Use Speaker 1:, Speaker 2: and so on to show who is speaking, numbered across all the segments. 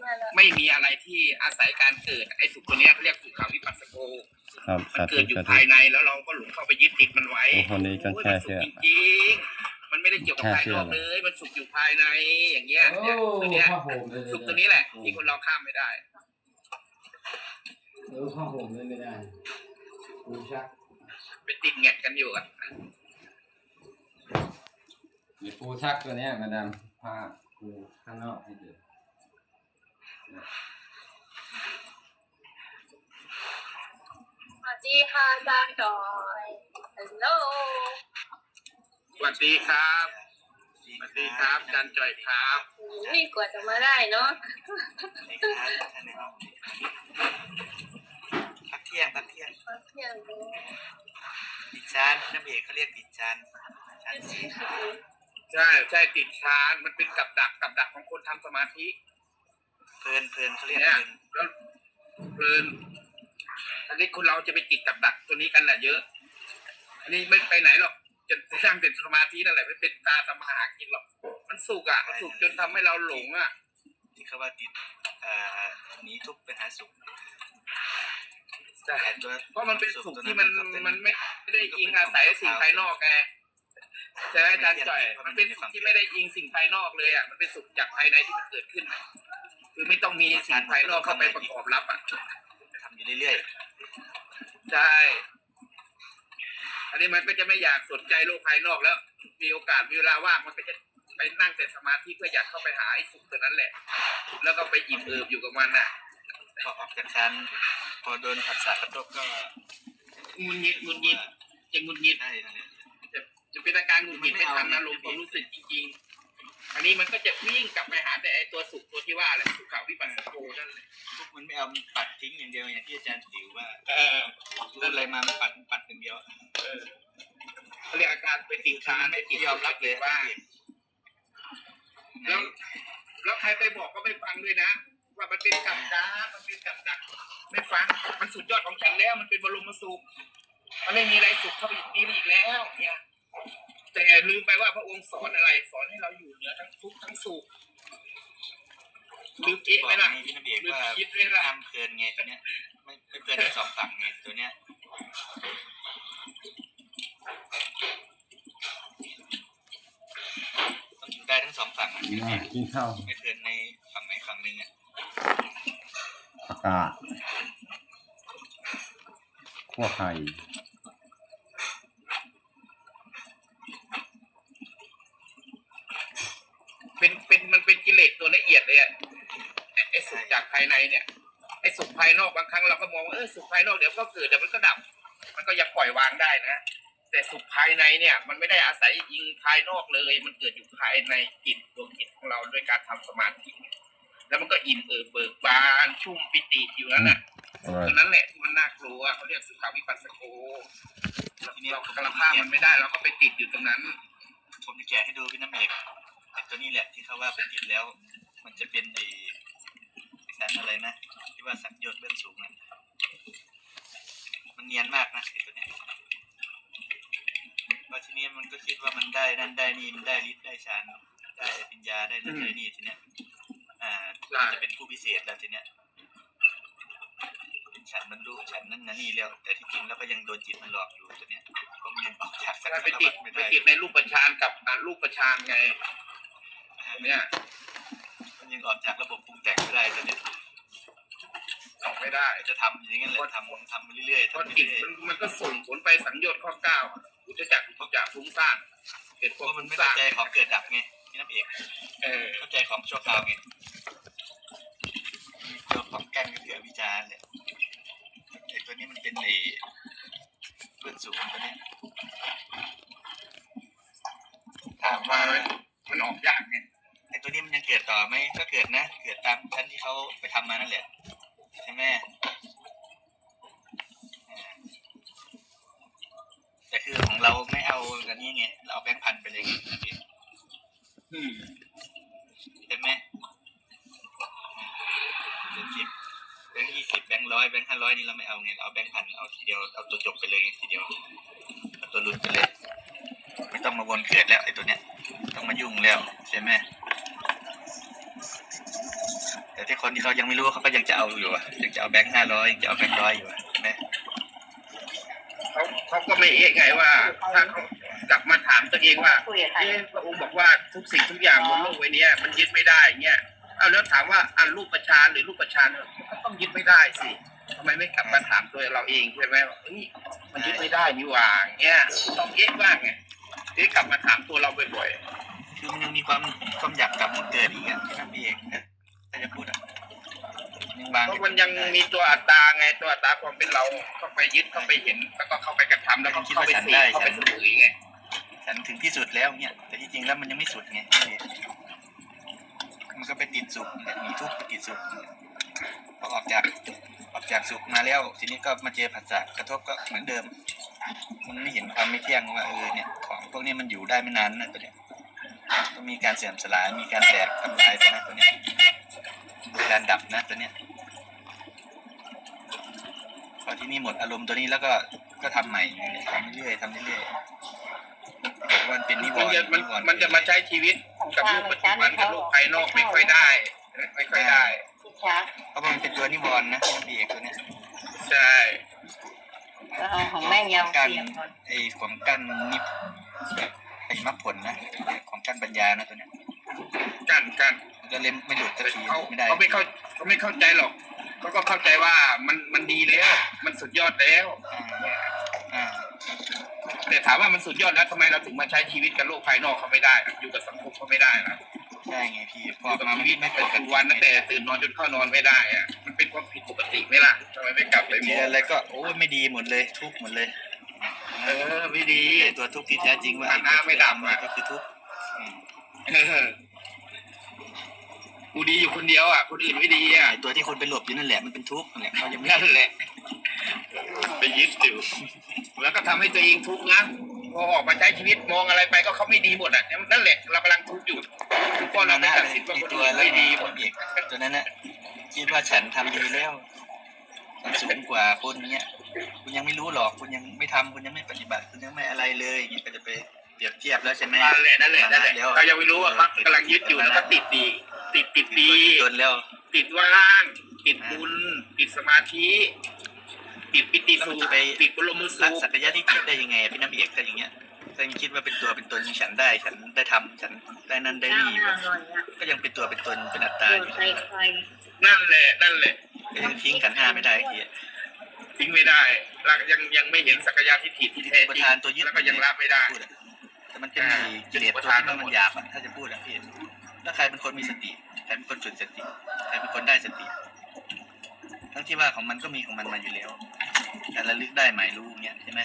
Speaker 1: ไม่มีอะไรที่อาศัยการเกิดไอ้สุขตัวเนี้ยเขาเรียกสุขาวิปัสสโก
Speaker 2: ครับ
Speaker 1: มันเกิดอยู่ภายในแล้วเราก็หลงเข้าไปยึดติดมันไว้
Speaker 2: คนนี้ก็แค่เชื่อ
Speaker 1: จริงๆมันไม่ได้เกี่ยวกับภายนอกเลยมันสุขอยู่ภายในอย่างเงี้ยเนี่ยตัวเนี้ยสุขตัวนี้แหละที่คนเราข้ามไม่ได้
Speaker 3: ผ้าห่มไม่ได้ปูชัก
Speaker 1: ไปติดแงกกันอยู่อ่ะ
Speaker 2: มีปูชักตัวนี้มาดามผ้าปูข้างนอกให้ดู
Speaker 4: สวัสดีค่ะอาจารย์จอยฮัลโหล
Speaker 1: สวัสดีครับสวัสดีครับอาจารย์จอยครับ
Speaker 4: นี่กว่าจะมาได้เนาะ
Speaker 5: พักเที่ยง
Speaker 4: พักเที่ยง
Speaker 5: ติดชานน้ำเอกเขาเรียกติดชาน
Speaker 1: ใช่ติดชานมันเป็นกับดักของคนทำสมาธิ
Speaker 5: เพลินเขาเรียก
Speaker 1: เพลินอันนี้คนเราจะไปติดกับดักตัวนี้กันแหละเยอะอันนี้ไม่ไปไหนหรอกจะนั่งเป็นสมาธินั่นแหละไม่เป็นตาทำหากินหรอกมันสุกมันสุกจนทำให้เราหลง
Speaker 5: ที่เขาว่าติดหนีทุกข์ไปหาสุข
Speaker 1: ใช่เพราะมันเป็นสุขที่มันไม่ได้อิงอาศัยสิ่งภายนอกไงใช่ไหมอาจารย์จ่อยมันเป็นสุขที่ไม่ได้อิงสิ่งภายนอกเลยมันเป็นสุขจากภายในที่มันเกิดขึ้นคือไม่ต้องมีสิ่งภายนอกเข้าไปประกอบรับ
Speaker 5: ทำอยู่เรื่อย
Speaker 1: ๆใช่อันนี้มันก็จะไม่อยากสนใจโลกภายนอกแล้วมีโอกาสเวลาว่างมันก็จะไปนั่งแต่สมาธิเพื่ออยากเข้าไปหาไอ้สุขตัวนั้นแหละแล้วก็ไปอิ่มเอิบอยู่กับมัน
Speaker 5: พอออกจากชั้นพอโดนผัสสะกระทบก็
Speaker 1: งุนงิดจะงุนงิดจะเป็นอาการงุนงิดไม่ทันอารมณ์ความรู้สึกจริงๆอันนี้มันก็จะวิ่งกลับไปหาแต่ไอ้ตัวสุขตัวที่ว่าแหละสุขวิปัสสโกนั่นแหละ
Speaker 5: ทุกมันไม่เอาปัดทิ้งอย่างเดียวอย่างที่อาจารย์ติ๋วว่ารู้อะไรมาปัดอย่างเดียว
Speaker 1: เขาเรียกอาการไปติดค้างไม่ยอมรับเลยว่าแล้วใครไปบอกก็ไม่ฟังด้วยนะว่ามันเป็นกับดักไม่ฟังมันสุดยอดของฉันแล้วมันเป็นบรมสุขมันไม่มีอะไรสุขเข้าไปอีกแล้วเนี่ยแต่ลืมไปว่าพระองค์สอนอะไรสอนให้เราอยู่เหนือทั้งทุกข์ทั้งสุขลืมคิดไหมล่ะ
Speaker 5: ลืมคิดไหมล่ะทำเพลินไงตัวเนี้ยไม่เพลินทั้งสองฝั่งไงตัวเนี้ยต้องอยู่ได้ทั้งสองฝั่ง
Speaker 2: กินข้าว
Speaker 5: ไม่เพลินในฝั่งไหนฝั่งหนึ่ง
Speaker 2: อากาศขั้วไข่
Speaker 1: มันเป็นกิเลสตัวละเอียดเลยไอ้สุขจากภายในเนี่ยไอ้สุขภายนอกบางครั้งเราก็มองว่าสุขภายนอกเดี๋ยวก็เกิดเดี๋ยวมันก็ดับมันก็ยังปล่อยวางได้นะแต่สุขภายในเนี่ยมันไม่ได้อาศัยอิงภายนอกเลยมันเกิดอยู่ภายในจิตดวงจิตของเราด้วยการทำสมาธิแล้วมันก็อิ่มเบิกบานชุ่มปิติอยู่นั่นน่ะตัวนั้นแหละที่มันน่ากลัวเขาเรียกสุขาวิปัสสโกทีนี้เรากำลังข้ามมันไม่ได้เราก็ไปติดอยู่ตรงนั้น
Speaker 5: ผมจะแกะให้ดูพี่น้ำเอกตัวนี้แหละที่เขาว่าเป็นติดแล้วมันจะเป็นไอ้สันอะไรนะที่ว่าสังโยชน์เบื้องสูงนะมันเนียนมากนะไอ้ตัวเนี้ยพอทีนี้มันก็คิดว่ามันได้นั่นได้นี่มันได้ฤทธิ์ได้ฌานได้ปัญญาได้นั่นได้นี่ทีเนี้ยจะเป็นผู้พิเศษแล้วทีเนี้ยฉันมันรู้ฉันนั่นนี่แล้วแต่ที่จริงแล้วก็ยังโดนจิตมันหลอกอยู่ตัวเนี้ยก็มันยังออกจาก
Speaker 1: ไปติดในรูปฌานกับรูปฌานไงเนี่ย
Speaker 5: มันยังออกจากระบบปรุงแต่งไม่ได้ตัวเนี้ย
Speaker 1: ออกไม่ได้
Speaker 5: จะทำอย่างนั้นเลยทำไปเรื่อยๆ
Speaker 1: พอจิตมันก็ส่งผลไปสังโยชน์ข้อ9อุจจักฟุ้งซ่าน
Speaker 5: เกิดเพราะมันไม่เข้าใจของเกิดดับไงพี่น้ำเอกเข้าใจของชั่วคราวไงตัวของกันก็คือวิจารณ์เลยไอ้ตัวนี้มันเป็นไอ้เบื้องสูงตัวนี้
Speaker 1: ถามว่ามันออกยากไง
Speaker 5: ไอ้ตัวนี้มันยังเกิดต่อไหมก็เกิดนะเกิดตามชั้นที่เขาไปทำมานั่นแหละใช่ไหมแต่คือของเราไม่เอากันนี้ไงเราเอาแบงค์พันไปเลยใช่ไหมแบงค์10แบงค์20แบงค์100แบงค์500นี่เราไม่เอาไงเราเอาแบงค์พันเอาทีเดียวเอาตัวจบไปเลยทีเดียวเอาตัวหลุดไปเลยไม่ต้องมาวนเกิดแล้วไอ้ตัวเนี้ยต้องมายุ่งแล้วใช่ไหมแต่แต่คนที่เขายังไม่รู้เขาก็ยังจะเอาอยู่อะยังจะเอาแบงค์500ยังจะเอาแบงค์100อยู่อะนะ
Speaker 1: เขาก็ไม่เอะไงว่า ถ้าเขากลับมาถามตัวเองว่าพระองค์บอกว่าทุกสิ่งทุกอย่างบนโลกใบนี้มันยึดไม่ได้เงี้ยเอาแล้วถามว่าอันรูปประชานหรือรูปประชานก็ต้องยึดไม่ได้สิทำไมไม่กลับมาถามตัวเราเองใช่ไหมว่าเฮ้ยมันยึดไม่ได้นี่หว่าเงี้ยต้องเอะบ้างไงที่กลับมาถามตัวเราบ่อย
Speaker 5: คือมันยังมีความอยากกลับมาเกิดอีกอ่ะที่นั่นเองนะถ้าจะพูดอ่ะยังวาง
Speaker 1: ๆเพราะมันยังมีตัวอัตตาไงตัวอัตตาความเป็นเราเข้าไปยึดเข้าไปเห็นแล้วก็เข้าไปกระทำแล้วก็เข้าไปเสพเข้าไปสมุยไง
Speaker 5: ฉันถึงที่สุดแล้วเนี่ยแต่ที่จริงแล้วมันยังไม่สุดไงมันก็ไปติดสุขเนี่ยมีทุกข์ไปติดสุขพอออกจากสุขมาแล้วทีนี้ก็มาเจอผัสสะกระทบก็เหมือนเดิม มันไม่เห็นความไม่เที่ยงว่าเนี่ยของพวกนี้มันอยู่ได้ไม่นานนะตัวเนี้ยต้องมีการเสื่อมสลายมีการแตกทำลายตัวเนี้ยมีการดับนะตัวเนี้ยพอที่นี่หมดอารมณ์ตัวนี้แล้วก็ทำใหม่ทำเรื่อยๆทำเรื่อยๆมันเป็นนิวรณ์
Speaker 1: มันจะมาใช้ชีวิตกับโลกปัจจุบันกับโลกภายนอกไม่ค่อยได้ไม่ค่อยได้
Speaker 5: เพราะมันเป็นตัวนิวรณ์นะพี่เอกตัวเนี้ย
Speaker 1: ใช่
Speaker 6: ของแม่ยาว
Speaker 5: การ
Speaker 6: เสียงก่อน
Speaker 5: ไอ้ของกั้นนิพไอ้มรรคผลนะของกั้นปัญญานะตัวเนี้ย
Speaker 1: กัน
Speaker 5: มันก็เล่มไม่หลุดสักที
Speaker 1: เขา
Speaker 5: ไม่ได้
Speaker 1: เขาไม่เข้าใจหรอกเขาก็เข้าใจว่ามันดีแล้ว มันสุดยอดแล้ว
Speaker 5: อ่า
Speaker 1: แต่ถามว่ามันสุดยอดแล้วทำไมเราถึงมาใช้ชีวิตกับโลกภายนอกเขาไม่ได้ล่ะอยู่กับสังคมเขาไม่ได้ล่ะ
Speaker 5: ใช่ไงพี่พ
Speaker 1: อ
Speaker 5: อยู่
Speaker 1: กับ
Speaker 5: มา
Speaker 1: ชี
Speaker 5: ไม่
Speaker 1: วิต
Speaker 5: ไม่
Speaker 1: ปั
Speaker 5: ป
Speaker 1: จ
Speaker 5: ก
Speaker 1: จุ
Speaker 5: ติ
Speaker 1: บันตั้งแต่ตื่นนอนจนเข้านอนไม่ได้อะมันเป็นความผิดปกติไหมล่ะทำไมไม่กลับไปม
Speaker 5: เจ
Speaker 1: อ
Speaker 5: อง อะไรก็โอ้ยไม่ดีหมดเลยทุกข์หมดเลย
Speaker 1: ไม่ดี
Speaker 5: ไอ้ตัวทุกข์ที่แท้จริงว่า
Speaker 1: มันน่าไม่ดับอะ
Speaker 5: ก็คือทุกข์
Speaker 1: กูดีอยู่คนเดียวอ่ะคนอื่นไม่ดีอ่ะ
Speaker 5: ไอ้ตัวที่คนไปหลบอยู่นั่นแหละมันเป็นทุกข์นั่นแหละเขายังไม่
Speaker 1: นั่นแหละไปยึดอยู่แล้วก็ทำให้ตัวเองทุกข์นะพอออกมาใช้ชีวิตมองอะไรไปก็เขาไม่ดีหมดอ่ะนั่นแหละเรากำลังทุกข์อยู่เพราะเราไม่ตัดสินว่าคน
Speaker 5: ตัว
Speaker 1: อื่น
Speaker 5: แล้ว
Speaker 1: ไม่ดีหมด
Speaker 5: เอกตัวนั้นน่ะคิดว่าฉันทำดีแล้วฉันสูงกว่าคนเนี้ยคุณยังไม่รู้หรอกคุณยังไม่ทำคุณยังไม่ปฏิบัติคุณยังไม่อะไรเลยอย่างเงี้ยก็จะไปเปรียบเทียบแล้วใช่ไหม
Speaker 1: นั่นแหละเรายังไม่รู้ว่าเขากำลังยึดอยู่แล้วก็ติดดีติดดี
Speaker 5: จนแล้ว
Speaker 1: ติดว่างติดบุญติดสมาธิติดปิติสุขติดบรมสุ
Speaker 5: ละ
Speaker 1: ข
Speaker 5: สักยะที่จิตได้ยังไงพี่น้ำเอกก็อย่างเงี้ยถ้ายังคิดว่าเป็นตัวเป็นตนฉันได้ฉันได้ทำฉันได้นั่นได้
Speaker 6: ข้าว
Speaker 5: นี่
Speaker 6: น่าอร่อยอ่ะ
Speaker 5: ก็ยังเป็นตัวเป็นตนเป็นอัตตา
Speaker 6: เปิ
Speaker 5: อ
Speaker 6: ด
Speaker 5: ยู่
Speaker 6: ไฟไฟ
Speaker 1: นั่นแหละ
Speaker 5: ก็ยังทิ้งขันธ์ห้าไม่ได้ที
Speaker 1: ทิ้งไม่ได้เรายังไม่เห็นสักยะทิฏฐิที่แท้
Speaker 5: ประ
Speaker 1: จริง
Speaker 5: ธานตัวยึด
Speaker 1: แล้วก็ยังละไม่ได้
Speaker 5: พูอะแต่มันเป็นกิเลสตัวที่มันหยาบอะถ้าจะพูดอะพี่แล้วใครเป็นคนมีสติใครเป็นคนฝึกสติใครเป็นคนได้สติทั้งที่ว่าของมันก็มีของมันมาอยู่แล้วการระลึกได้หมายรู้เงี้ยใช่ไหม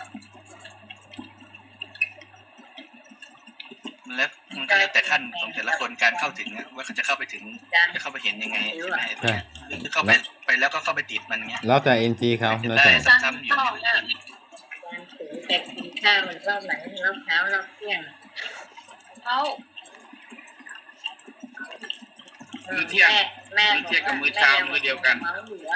Speaker 5: แล้วมันก็แล้วแต่ขั้นของแต่ละคนการเข้าถึงอะว่าเขาจะเข้าไปถึงจะเข้าไปเห็นยังไงใช่ไหมหรือเข้าไปแล้วก็เข้าไปติดมันเงี้ย
Speaker 2: แล้วแต่เอ็นจีเขาแล้ว
Speaker 5: ได้
Speaker 2: แต่
Speaker 5: ซ้ำๆอยู่
Speaker 6: ข้าวน่ะการถือแต่กินข้าวรอบไหนรอบเช้ารอบเที่ยง
Speaker 4: เขา
Speaker 1: มื้อเที่ยง
Speaker 6: แม่
Speaker 1: มื้อเที่ยงกับมื้อเช้ามื้อเดียวกัน
Speaker 6: เมาอยู่อะ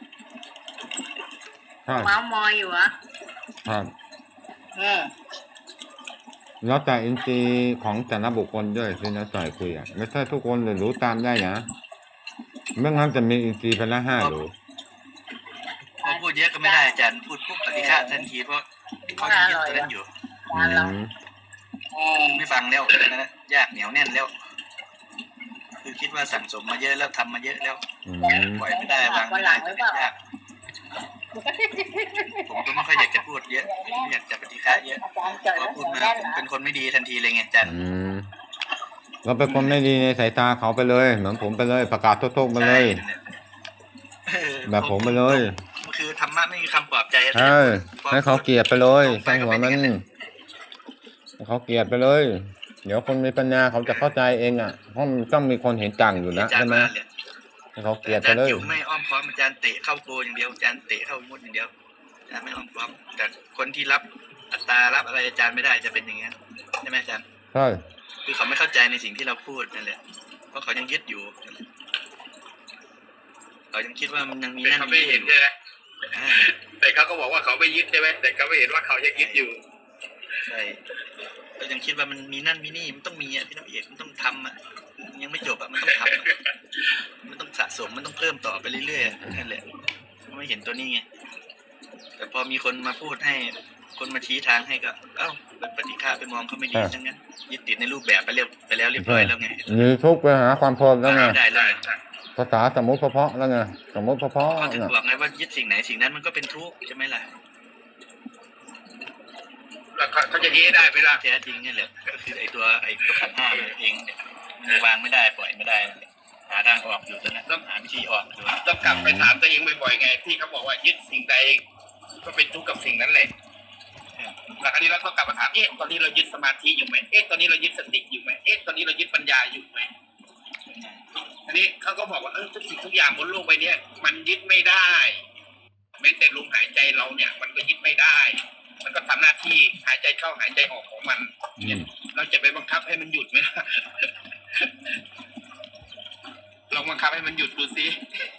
Speaker 2: ครับ
Speaker 6: เมามอยอยู่อะ
Speaker 2: ครับ
Speaker 6: อืม
Speaker 2: แล้วแต่เอ็นจีของแต่ละบุคคลด้วยที่น้าต่อยคุยอ่ะไม่ใช่ทุกคนเลยรู้ตามได้นะไม่งั้นจะมีเอ็นจีไปละ5 หรือ
Speaker 5: พอพูดเยอะก็ไม่ได้อาจารย์พูดปุ๊บปฏิฆะทันทีเพราะเขายังยึดตัวนั้นอยู่
Speaker 2: อืม
Speaker 5: ไม่ฟังแล้วนะยากเหนียวแน่นแล้ว คือคิดว่าสั่งสมมาเยอะแล้วทำมาเยอะแล้ว
Speaker 2: อืม
Speaker 5: ปล่อยไม่ได้วางไม่ได้ตัวยากผมก็ไม่ค่อยอยากจะพูดเยอะไม่อยากจะปฏิฆะเยอะ
Speaker 6: อาจารย์จด
Speaker 5: พอ
Speaker 6: แล้ว
Speaker 5: พูดมา
Speaker 6: แน่น
Speaker 5: ผม
Speaker 6: นะ
Speaker 5: เป็นคนไม่ดีทันทีเลยไงอาจารย์
Speaker 2: อืมเราเป็นคนไม่ดีในสายตาเขาไปเลย เหมือนผมไปเลย ประกาศโทษๆไปเลย แบบผมไปเลย
Speaker 5: คือธรรมะไม่มีคำปลอบใจ
Speaker 2: ใช่ให้เขาเกลียดไปเลยสร้างหัวมันให้เขาเกลียดไปเลย เดี๋ยวคนมีปัญญาเขาจะเข้าใจเองอ่ะเพราะมันต้องมีคนเห็นต่างอยู่นะ
Speaker 5: อาจาร
Speaker 2: ใช่
Speaker 5: ย์
Speaker 2: ไหม
Speaker 5: ว่าเลย
Speaker 2: ให้เขาเกลียด
Speaker 5: อา
Speaker 2: ไป
Speaker 5: จารย์
Speaker 2: เลย
Speaker 5: จิ๋วไม่อ้อมค้อมอาจารย์เตะเข้าโกอย่างเดียวอาจารย์เตะเข้ามุดอย่างเดียวอาจารย์ไม่อ้อมค้อมแต่คนที่รับอัตตารับอะไรอาจารย์ไม่ได้จะเป็นอย่างนี้นใช่ไหมอาจารย์
Speaker 2: ใช่
Speaker 5: คือเขาไม่เข้าใจในสิ่งที่เราพูดนั่นแหละเพราะเขายังยึดอยู่เขายังคิดว่ามันยังมี
Speaker 1: แต่
Speaker 5: นั่น
Speaker 1: เขา
Speaker 5: มี
Speaker 1: ไม่
Speaker 5: นี่
Speaker 1: เห็น
Speaker 5: อยู่
Speaker 1: ใช่ไหม
Speaker 5: อ่า
Speaker 1: แต่เขาก็บอกว่าเขาไม่ยึดใช่ไหมแต่เขาไม่เห็นว่าเขายังยึดอยู่
Speaker 5: ใช่ก็ยังคิดว่ามันมีนั่นมีนี่มันต้องมีอ่ะพี่น้องเอกมันต้องทำอ่ะยังไม่จบอ่ะมันต้องทำอะมันต้องสพิ่มต่อไปเรื่อยๆนั่นแหละไม่เห็นตัวนี้ไงแต่พอมีคนมาพูดให้คนมาชี้ทางให้ก็เอ้าเป็นปฏิฆาไปมองเขาไม่ดีทั้งนั้นยึดติดในรูปแบบไปแล้วเรียบร้อยแล้วไง
Speaker 2: มีทุกข์ไปหาความเพลินแล้วไง
Speaker 5: ไม่ได้แล้วไง
Speaker 2: ภาษาสมมติเพาะๆแล้วไงสมมติเพาะ
Speaker 5: เขา
Speaker 2: ๆ
Speaker 5: ถึง
Speaker 2: น่ะ
Speaker 5: บอกไงว่ายึดสิ่งไหนสิ่งนั้นมันก็เป็นทุกข์ใช่ไหมล่ะ
Speaker 1: แล้วเขาจะเอะได้เวลา
Speaker 5: แท้จริงนี่แหละก็คือไอ้ตัวขันธ์ห้าเองเนี่ยมันวางไม่ได้ปล่อยไม่ได้หาทางออกอยู่ตอนนั้นต้องหาวิธีออกอยู่
Speaker 1: ต้องกลับไปถามตัวเองบ่อยๆไงที่เขาบอกว่ายึดสิ่งใดก็เป็นทุกข์กับสิ่งนั้นแหละแล้วคราวนี้เราต้องกลับมาถามตอนนี้เรายึดสมาธิอยู่ไหมตอนนี้เรายึดสติอยู่ไหมตอนนี้เรายึดปัญญาอยู่ไหมอันนี้เขาก็บอกว่าทุกสิ่งทุกอย่างบนโลกใบนี้มันยึดไม่ได้แม้แต่ลมหายใจเราเนี่ย มันก็ยึดไม่ได้ มันก็ทำหน้าที่หายใจเข้าหายใจออกของมันเนี่ยเราจะไปบังคับให้มันหยุดไหม ลองบังคับให้มันหยุดดูสิ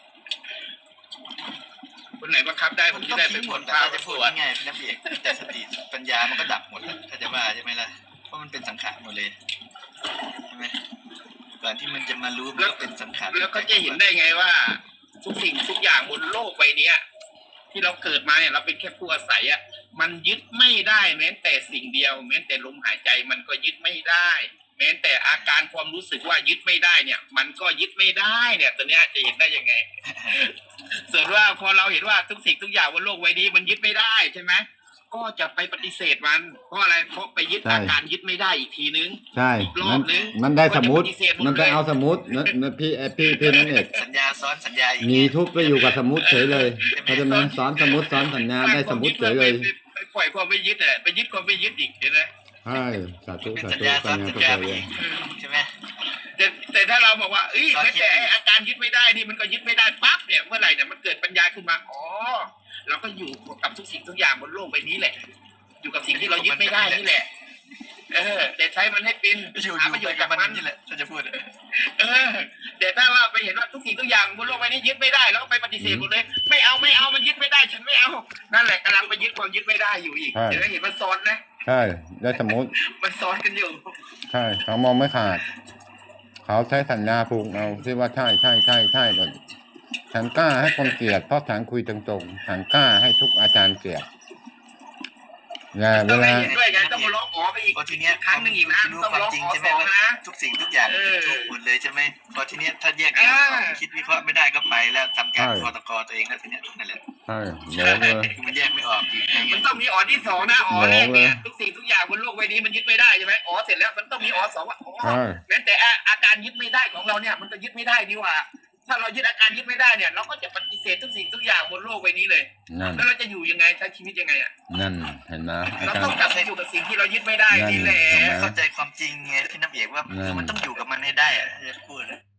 Speaker 1: คนไหนบังคับได้ผมจะได้เป็น
Speaker 5: ห
Speaker 1: ค
Speaker 5: มด
Speaker 1: น
Speaker 5: แต่
Speaker 1: พา
Speaker 5: เรา
Speaker 1: ไป
Speaker 5: จะ
Speaker 1: ส
Speaker 5: พูด
Speaker 1: วน
Speaker 5: ง่ายๆนะพี่เอกแต่สติปัญญามันก็ดับหมดแล้วถ้าจะว่าใช่ไหมล่ะเพราะมันเป็นสังขารหมดเลยใช่ไหมก่อนที่มันจะมารู้มันก็เป็นสังขาร
Speaker 1: แล้วก็จะเห็นได้ไงว่า ทุกสิ่งทุกอย่างบนโลกใบนี้ที่เราเกิดมาเนี่ยเราเป็นแค่ผู้อาศัยอ่ะมันยึดไม่ได้แม้แต่สิ่งเดียว แม้แต่ลมหายใจมันก็ยึดไม่ได้ แม้แต่อาการความรู้สึกว่ายึดไม่ได้เนี่ย มันก็ยึดไม่ได้เนี่ยตัวเนี้ยจะเห็นได้ยังไง ส่วนว่าพอเราเห็นว่าทุกสิ่งทุกอย่างบนโลกใบนี้มันยึดไม่ได้ใช่ไหมก็จะไปปฏิเสธมันเพราะอะไรเพราะไปยึดอาการยึดไม่ได้อีกทีนึง
Speaker 2: ใช่
Speaker 1: อีกรอบนึง
Speaker 2: มันได้สมมติ
Speaker 1: ก็จะปฏิเสธหมดเลย
Speaker 2: มันไปเอาสมมตินั่นพี่นั่นเอง
Speaker 5: สัญญาซ้อนสัญญาอีก
Speaker 2: มีทุกข์ไปอยู่กับสมมติเฉยเลยเขาใจะมาสอนสมมติสอนสัญญาได้สมมติเฉยเลย
Speaker 1: ไปปล่อยความไม่ยึดอ่ะไปยึดความไม่ยึดอีกเห็นไหม
Speaker 2: ใช่สาธุ
Speaker 5: เป็น
Speaker 2: สา
Speaker 5: สัญ
Speaker 2: ธุ
Speaker 5: ญาซ้
Speaker 2: ปั
Speaker 5: อ
Speaker 2: ญ
Speaker 5: น
Speaker 2: ญา
Speaker 5: สัญ
Speaker 2: เข้า
Speaker 5: ญา
Speaker 2: ใจ
Speaker 5: ไป
Speaker 2: เล
Speaker 5: อี
Speaker 2: ย
Speaker 5: กใช่ไหม
Speaker 1: แต่ถ้าเราบอกว่าแม้แต่อาการยึดไม่ได้นี่มันก็ยึดไม่ได้ปั๊บเนี่ยเมื่อไหร่เนี่ยมันเกิดปัญญาขึ้นมาเราก็อยู่กับทุกสิ่งทุกอย่างบนโลกใบนี้แหละ อยู่กับสิ่งที่เรายึดไม่ได้นี่แหละแต่ใช้มันให้เป็นหาประโยชน์จากมัน
Speaker 5: นี่แหละถ้าจะพูด
Speaker 1: แต่ถ้าว่าไปเห็นว่าทุกสิ่งทุกอย่างบนโลกใบนี้ยึดไม่ได้แล้วก็ไปปฏิเสธหมดเลยไม่เอามันยึดไม่ได้ฉันไม่เอานั่นแหละกำลังไปยึดความยึดไม่ได้อยู่อีกเห็นมันซ้อนนะ
Speaker 2: ใช่ได้สมมติ
Speaker 1: มันซ้อนกันอยู่
Speaker 2: ใช่เขามองไม่ขาด เขาใช้สัญญาผูกเอาที่ว่าใช่ก่อนฉันกล้าให้คนเกลียดเพราะฉันคุยตรงๆฉันกล้าให้ทุกอาจารย์เกลียดอย่าเว
Speaker 1: ต้อง
Speaker 2: ลา
Speaker 1: เห็นด้วยไงต้องมาร้องไปอีก
Speaker 5: พอทีเนี้ย
Speaker 1: ครั้งหนึ่งอีกนะ
Speaker 5: รู้
Speaker 1: ต้อง
Speaker 5: ความ
Speaker 1: ร้อง
Speaker 5: จริง
Speaker 1: ขอ
Speaker 5: ใช่ไห
Speaker 1: ส
Speaker 5: ม
Speaker 1: อง
Speaker 5: ว่า
Speaker 1: นะ
Speaker 5: ทุกสิ่งทุกอย่างเป็นทุกข์หมดเลยใช่ไหมพอทีเนี้ยถ้าแยกแยะออกคิดวิเคราะห์ไม่ได้ก็ไปแล้วทำการพอตกตัวเองแล้วทีเนี้ยนั่นแหละ
Speaker 2: ใช่โหลเลย
Speaker 5: มันแยกไม่ออกอีก
Speaker 1: มันต้องมีที่สองนะแรกเนี่ยทุกสิ่งทุกอย่างบนโลกใบนี้มันยึดไม่ได้ใช่ไหมเสร็จแล้วมันต้องมีสองว่าแม้แต่อาการยึดไม่ได้ของเราเนี่ยมันก็ยึดไม่ได้นี่ว่า ถ้าเรายึดอาการยึดไม่ได้เนี่ยเราก็จะปฏิเสธทุกสิ่งทุกอย่างบนโลกใบนี้เลย
Speaker 2: นั่น
Speaker 1: แล้วเราจะอยู่ยังไงใช้ชีวิตยังไงอ่ะ
Speaker 2: นั่นเห็นไหมอา
Speaker 1: เรา
Speaker 2: จาร
Speaker 1: ต้อง
Speaker 2: ย์
Speaker 1: กลับไปอยู่กับสิ่งที่เรายึดไม่ได้นี่แหละ
Speaker 5: เข้าใจความจริงไงพี่น้ำเอกว่ามันต้องอยู่กับมันให้ได้อะจะพูด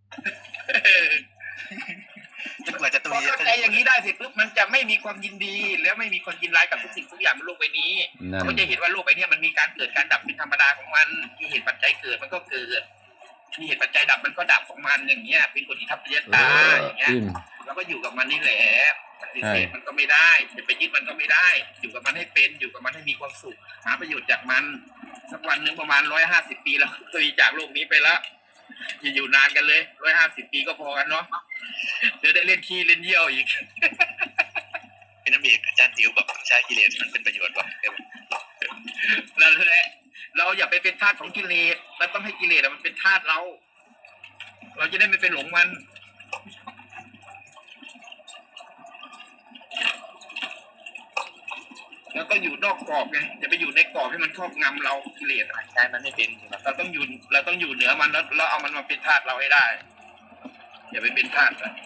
Speaker 5: จนกว่าจะตุ
Speaker 1: พอย เข้าใจอย่างนี้ได้เสร็จปุ๊บมันจะไม่มีความยินดี แล้วไม่มีความยินร้ายกับทุกสิ่งทุกอย่างบนโลกใบนี้
Speaker 2: นั่น
Speaker 1: เขาจะเห็นว่าโลกใบนี้มันมีการเกิดการดับเป็นธรรมดาของมันมีเหตุปัจจัยเกิดมันก็เกิดมีเหตุปัจจัยดับมันก็ดับของมันอย่างเงี้ยเป็นกฎอิทัปปัจจตาอย่างเงี้ย
Speaker 2: อิ่ม
Speaker 1: เราก็อยู่กับมันนี่แหละปฏิเสธมันก็ไม่ได้จะไปยึดมันก็ไม่ได้ อยู่กับมันให้เป็นอยู่กับมันให้มีความสุขหาประโยชน์จากมันสักวันหนึ่งประมาณ150 ปีแล้วตุยจากโลกนี้ไปแล้วอย่าอยู่นานกันเลย150 ปีก็พอกันเนาะเดี๋ยวได้เล่นขี้เล่นเยี่ยวอีก
Speaker 5: พี่น้ำเอกอาจารย์ติ๋วบอกต้องใช้กิเลสมันเป็นประโยชน์ว่ะ
Speaker 1: นั่นแหละเราอย่าไปเป็นทาสของกิเลสเราต้องให้กิเลสมันเป็นทาสเราจะได้ไม่เป็นหลงมัน แล้วก็อยู่นอกกรอบไงอย่าไปอยู่ในกรอบให้มันครอบงำเรากิเลส
Speaker 5: ใช้มันไม่เป็น
Speaker 1: เราต้องอยู่เหนือมันแล้วเอามันมาเป็นทาสเราให้ได้ อย่าไปเป็นทาสนะ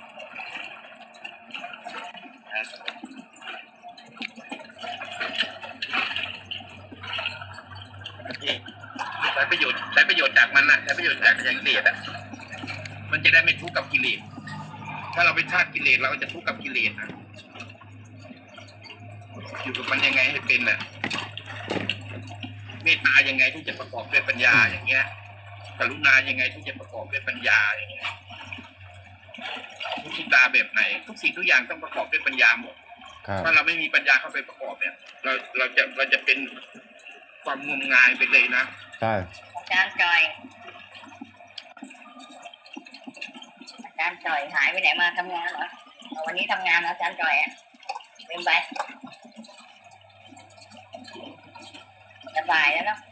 Speaker 1: ใช้ประโยชน์จากมันนะใช้ประโยชน์จากกิเลสอ่ะมันจะได้ไม่ทุกข์กับกิเลสถ้าเราเป็นทาสกิเลสเราก็จะทุกข์กับกิเลสนะอยู่กับมันยังไงให้เป็นน่ะเมตตายังไงที่จะประกอบด้วยปัญญาอย่างเงี้ยกรุณายังไงที่จะประกอบด้วยปัญญาอย่างเงี้ยมุทิตาแบบไหนทุกสิ่งทุกอย่างต้องประกอบด้วยปัญญาหมด
Speaker 2: ครับ
Speaker 1: ถ้าเราไม่มีปัญญาเข้าไปประกอบเนี่ยเราจะเป็นความงมงายไปเลยนะ
Speaker 2: ใช่
Speaker 6: อาจารย์จอยอาจจารย์จ่อยหายไปไหนมาทำงานเหรอเอาวันนี้ทำงานแล้วอาจารย์จ่อยอ่ะลืมไปจะบ่ายแล้วเนาะ